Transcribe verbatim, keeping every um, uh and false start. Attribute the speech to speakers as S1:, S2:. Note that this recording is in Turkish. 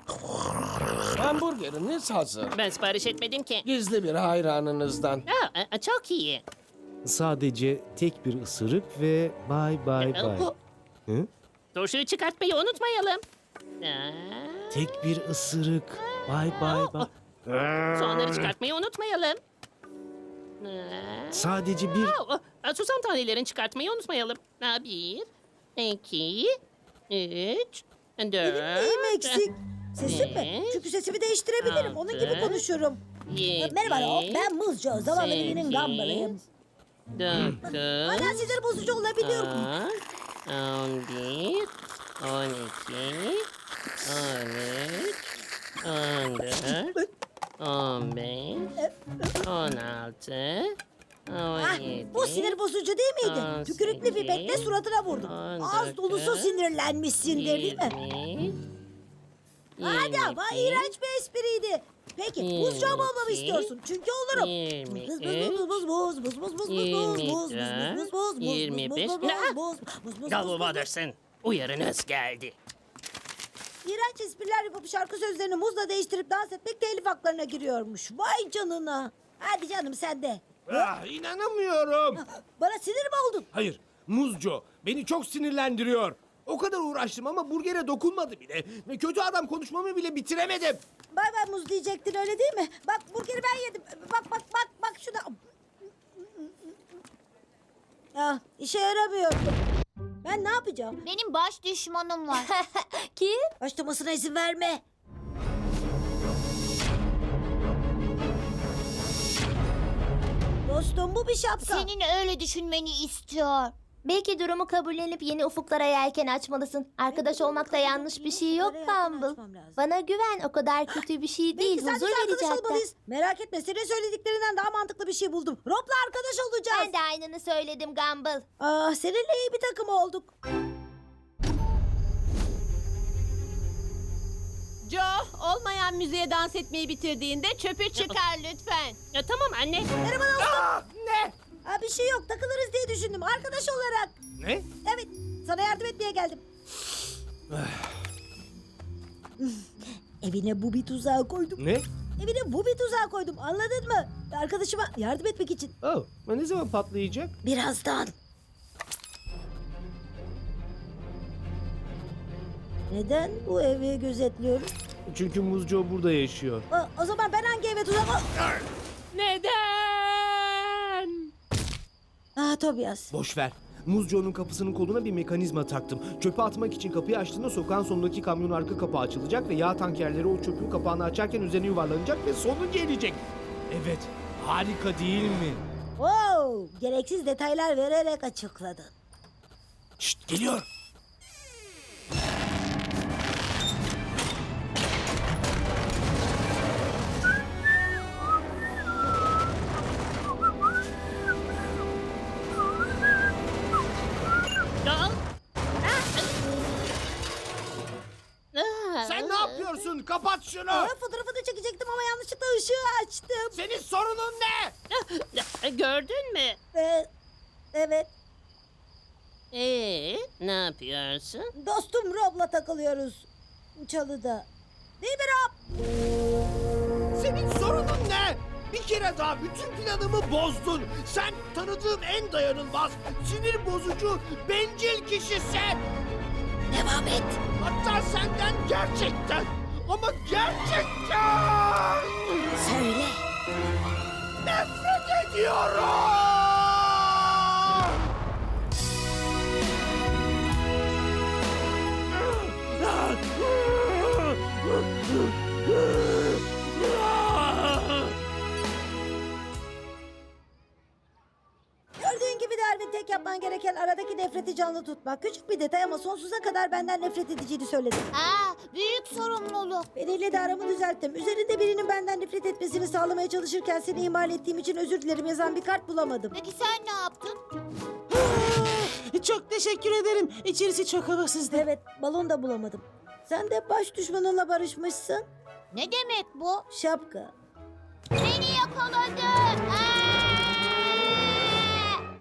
S1: Hamburgeriniz hazır.
S2: Ben sipariş etmedim ki.
S1: Gizli bir hayranınızdan.
S2: Aa, e, çok iyi.
S3: Sadece tek bir ısırık ve bay bay
S2: E,
S3: bay.
S2: bu-
S3: Hı?
S2: Turşuyu çıkartmayı unutmayalım. Aa,
S3: Tek bir ısırık. Bay bay bay.
S2: soğanları çıkartmayı unutmayalım. Aa,
S3: Sadece bir...
S2: aa, aa, susam tanelerini çıkartmayı unutmayalım. Aa, bir, iki, üç,
S4: Benim
S2: dört,
S4: neyim eksik? Sesim mi?
S2: beş,
S4: Çünkü sesimi değiştirebilirim. Onun gibi
S2: altı,
S4: konuşurum.
S2: yedi,
S4: Merhaba Rob, ben Muzco. Zavallı birinin gambalıyım.
S2: dokuz,
S4: Hala sinir bozucu olabiliyorum.
S2: on, on bir, on iki, on üç, on dört, on beş, on altı, on
S4: Ah,
S2: yedi.
S4: bu sinir bozucu değil miydi?
S2: on
S4: Tükürüklü
S2: sekiz,
S4: pipetle suratına vurdum.
S2: on
S4: Ağız dolusu
S2: dokuz,
S4: sinirlenmişsindir değil mi?
S2: yirmi,
S4: Hadi ama
S2: yirmi bir,
S4: iğrenç bir espriydi. Peki
S2: yirmi
S4: Muzco mu olmamı
S2: iki,
S4: istiyorsun? Çünkü olurum.
S2: yirmi
S4: Buz
S2: üç,
S4: buz buz buz buz buz buz buz buz
S2: yirmi
S4: buz buz
S2: dört,
S4: buz buz buz
S2: yirmi beş.
S4: buz buz
S2: Ne?
S4: buz buz buz
S2: Davul
S4: buz.
S2: Waters'ın uyarınız geldi.
S4: İğrenç espriler yapıp şarkı sözlerini muzla değiştirip dans etmek telif haklarına giriyormuş. Vay canına. Hadi canım sen de.
S1: Ah, inanamıyorum.
S4: Bana sinir mi oldun?
S1: Hayır, Muzco beni çok sinirlendiriyor. O kadar uğraştım ama burgere dokunmadı bile. Ve kötü adam konuşmamı bile bitiremedim.
S4: Bay bay muz diyecektin öyle değil mi? Bak burgeri ben yedim. Bak bak bak bak şuna. Ah işe yaramıyor. Ben ne yapacağım?
S5: Benim baş düşmanım var. Kim?
S4: Başlamasına izin verme. Dostum bu bir şapka.
S5: Senin öyle düşünmeni istiyor. Belki durumu kabullenip yeni ufuklara yelken açmalısın. Arkadaş olmakta yanlış bir şey yok Bumble. Bana güven, o kadar kötü bir şey değil.
S4: Belki sen
S5: Huzur
S4: de
S5: verici
S4: arkadaş
S5: hatta.
S4: olmalıyız. Merak etme senin söylediklerinden daha mantıklı bir şey buldum. Rob'la arkadaş olacağız.
S5: Ben de aynını söyledim Gumball.
S4: Ah seninle iyi bir takım olduk.
S6: Joe, olmayan müziğe dans etmeyi bitirdiğinde çöpü çıkar lütfen.
S2: Ya, tamam anne.
S4: Merhaba dostum.
S1: Ah, ne?
S4: Ha, bir şey yok takılırız diye düşündüm arkadaş olarak.
S1: Ne?
S4: Evet sana yardım etmeye geldim. Evine bu bir tuzağı koydum.
S1: Ne?
S4: Evine bu bir tuzağı koydum anladın mı? Arkadaşıma yardım etmek için.
S1: Oh, ne zaman patlayacak?
S4: Birazdan. Neden bu evi gözetliyorum?
S3: Çünkü Muzco burada yaşıyor.
S4: Aa, o zaman ben hangi eve tuzağı...
S6: Neden?
S4: Ah Tobias.
S3: Boş ver. Muzco'nun kapısının koluna bir mekanizma taktım. Çöpü atmak için kapıyı açtığında sokağın sonundaki kamyonun arka kapağı açılacak ve yağ tankerleri o çöpün kapağını açarken üzerine yuvarlanacak ve sonu gelecek. Evet, harika değil mi?
S4: Wow, gereksiz detaylar vererek açıkladın.
S3: Şşt, geliyor.
S2: Aa, aa.
S1: Sen ne yapıyorsun? Kapat şunu.
S4: Aa, fotoğrafını çekecektim ama yanlışlıkla ışığı açtım.
S1: Senin sorunun ne?
S2: Ah, gördün mü?
S4: Ee, evet,
S2: Ee, ne yapıyorsun?
S4: dostum Rob'la takılıyoruz. Çalıda. Değil mi Rob?
S1: Senin sorunun ne? Bir kere daha bütün planımı bozdun. Sen tanıdığım en dayanılmaz, sinir bozucu, bencil kişisin.
S4: Devam et.
S1: Hatta senden gerçekten ama gerçekten
S4: Söyle.
S1: nefret ediyorum.
S4: Gördüğün gibi Darwin tek yapman gereken aradaki nefreti canlı tutmak. Küçük bir detay ama sonsuza kadar benden nefret edeceğini söyledi.
S5: Aa, büyük sorumluluk.
S4: Biriyle de aramı düzelttim. Üzerinde birinin benden nefret etmesini sağlamaya çalışırken seni ihmal ettiğim için özür dilerim yazan bir kart bulamadım.
S5: Peki sen ne yaptın?
S6: Çok teşekkür ederim. İçerisi çok havasızdı.
S4: Evet, balon da bulamadım. Sen de baş düşmanınla barışmışsın.
S5: Ne demek bu?
S4: Şapka.
S5: Beni yakaladı. Aa!